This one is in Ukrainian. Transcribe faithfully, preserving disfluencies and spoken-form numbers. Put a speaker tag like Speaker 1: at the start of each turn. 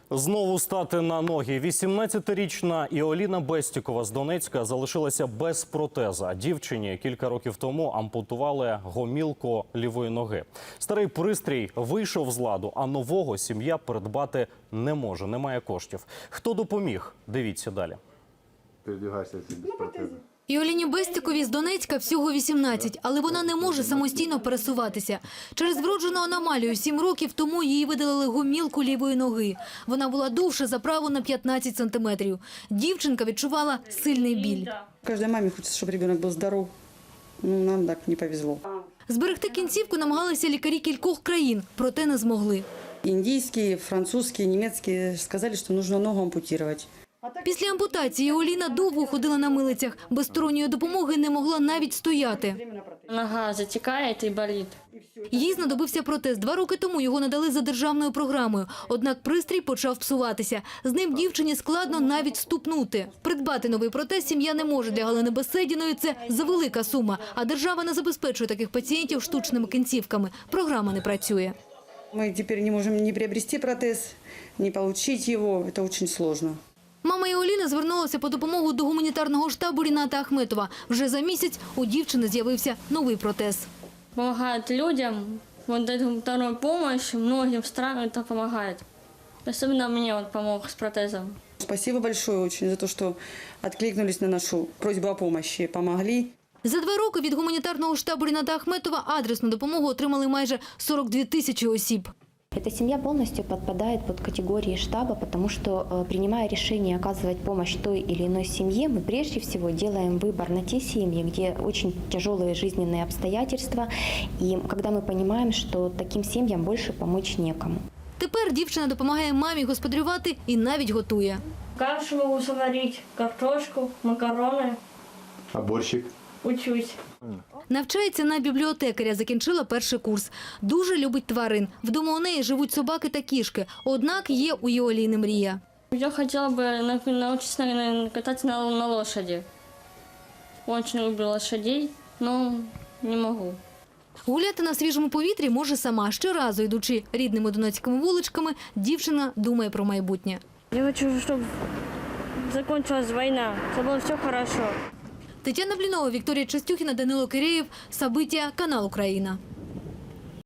Speaker 1: Знову стати на ноги. вісімнадцятирічна Іоліна Бестікова з Донецька залишилася без протеза. Дівчині кілька років тому ампутували гомілку лівої ноги. Старий пристрій вийшов з ладу, а нового сім'я придбати не може, немає коштів. Хто допоміг? Дивіться далі.
Speaker 2: Передвигайся без протеза.
Speaker 3: Іоліні Бестіковій з Донецька всього вісімнадцять, але вона не може самостійно пересуватися. Через вроджену аномалію сім років тому їй видалили гомілку лівої ноги. Вона була довша за праву на п'ятнадцять сантиметрів. Дівчинка відчувала сильний біль.
Speaker 4: Каждой маме хочется, чтобы ребенок был здоров. Ну, нам так не повезло.
Speaker 3: Зберегти кінцівку намагалися лікарі кількох країн, проте не змогли.
Speaker 4: Индийские, французские, немецкие сказали, что нужно ногу ампутировать.
Speaker 3: Після ампутації Іоліна довго ходила на милицях. Без сторонньої допомоги не могла навіть стояти.
Speaker 5: Нога затікає і болить.
Speaker 3: Їй знадобився протез. Два роки тому його надали за державною програмою. Однак пристрій почав псуватися. З ним дівчині складно навіть ступнути. Придбати новий протез сім'я не може. Для Галини Беседіної це завелика сума. А держава не забезпечує таких пацієнтів штучними кінцівками. Програма не працює.
Speaker 4: Мы теперь не можем ни приобрести протез, ни получить его. Это очень сложно.
Speaker 3: Мама Іоліни звернулася по допомогу до гуманітарного штабу Ріната Ахметова. Вже за місяць у дівчини з'явився новий протез.
Speaker 5: Помогает людям, вот дает вторую помощь, многим странам это помогает. Особенно мне он помог с протезом.
Speaker 4: Спасибо большое очень за то, что откликнулись на нашу просьбу о помощи, помогли.
Speaker 3: За два роки від гуманітарного штабу Ріната Ахметова адресну допомогу отримали майже сорок дві тисячі осіб.
Speaker 6: Эта семья полностью подпадает под категории штаба, потому что, принимая решение оказывать помощь той или иной семье, мы прежде всего делаем выбор на те семьи, где очень тяжелые жизненные обстоятельства, и когда мы понимаем, что таким семьям больше помочь некому.
Speaker 3: Тепер дівчина допомагає мамі господарювати і навіть готує.
Speaker 5: Кашу могу сварить, картошку, макароны.
Speaker 2: А борщик?
Speaker 5: Учусь.
Speaker 3: Навчається на бібліотекаря, закінчила перший курс. Дуже любить тварин. Вдома у неї живуть собаки та кішки. Однак є у Іоліни мрія.
Speaker 5: Я хотела бы научиться наверное, кататься на, на лошади. Очень люблю лошадей, но не могу.
Speaker 3: Гуляти на свіжому повітрі може сама. Щоразу, йдучи рідними донецькими вуличками, дівчина думає про майбутнє.
Speaker 5: Я хочу, чтобы закончилась война, чтобы было все хорошо.
Speaker 3: Тетяна Блінова, Вікторія Частюхіна, Данило Кирєєв. Сабиття, канал Україна.